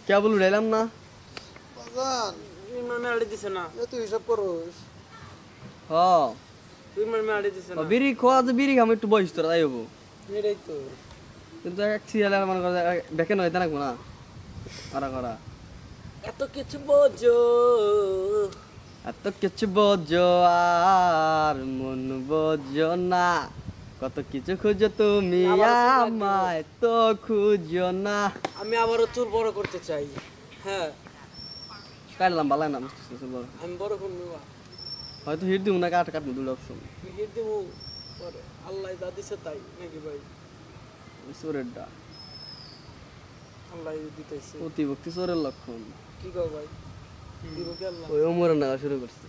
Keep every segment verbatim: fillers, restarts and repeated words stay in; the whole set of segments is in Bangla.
কেবল উড়াইলাম না বাজান ইমরান মেয়াড়ি দিছে না এ তুই হিসাব করোস হ ইমরান মেয়াড়ি দিছে ও না বিড়ি খোয়া যে বিড়ি খাম একটু বয়স তোরা তাই হবো এটাই তো কিন্তু এক সিরিয়ালে মনে করে দেখে নয় না না করা করা এত কিছু বোঝো এত কিছু বোঝো আর মন বোঝো না কত কিছু খুঁজো তুমি আমায় তো খুঁজো না আমি আবারও চুল বড় করতে চাই হ্যাঁ কাটলাম ভালো না বুঝতেছি চল বড়। আমি বড় করবো বা হয়তো হিট দিব না কাট কাটবো দুটো অপশন হিট দেবো পরে আল্লাহ যা দিছে তাই নাকি ভাই চোরের ডা আল্লাহ দিতেছে অতিভক্তি চোরের লক্ষণ কি কর ভাই দিব কি আল্লাহ ওই ওমরের নাগা শুরু করছে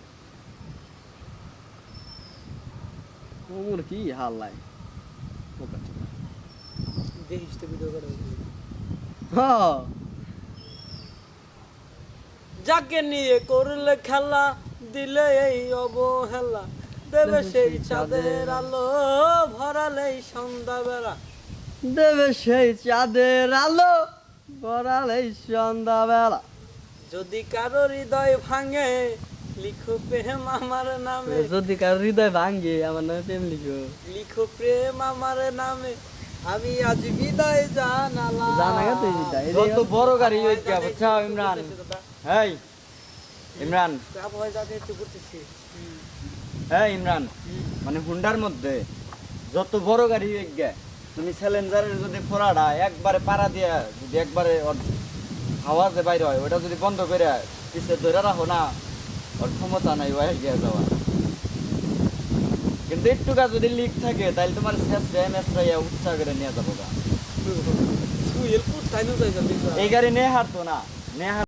ওমর কি হাল লাই বোকা চোদা। দেখিস তো ভিডিও করে হ্যাঁ যাকে নিয়ে করলে খেলা দিলে এই অবহেলা দেবে সেই চাঁদের আলো ভরালেই সন্ধ্যাবেলা দেবে সেই চাঁদের আলো বড়ালেই সন্ধ্যাবেলা যদি কারো হৃদয় ভাঙে লিখো প্রেম আমার নামে যদি কার হৃদয় ভাঙ্গে আমার নামে প্রেম লিখো লিখো প্রেম আমার নামে আমি আজ বিদায় জানালাম জানা গেছে বিদায়। যত বড় গাড়ি হই গিয়া বুঝছো ইমরান হেই ইমরান আবহাওয়া যাতে একটু করতেছি হ্যাঁ ইমরান মানে হুন্ডার মধ্যে যত বড় গাড়ি হই গিয়া তুমি চ্যালেঞ্জারের যদি ফোড়াটা একবারে পাড়া দিয়া যদি একবারে ওর হাওয়া যে বাইরে হয় ওটা যদি বন্ধ করে পিছে ধরে রাখো না ওর ক্ষমতা নাই ওয়াই গিয়া যাওয়া কিন্তু একটুকা যদি লিক থাকে তাহলে তোমার শেষ মেসরাইয়া উৎসাহ করে নিয়ে যাবো গা। সুইল কোথায় নিয়ে যাই এই গাড়ি নিয়ে হারতো না নিয়ে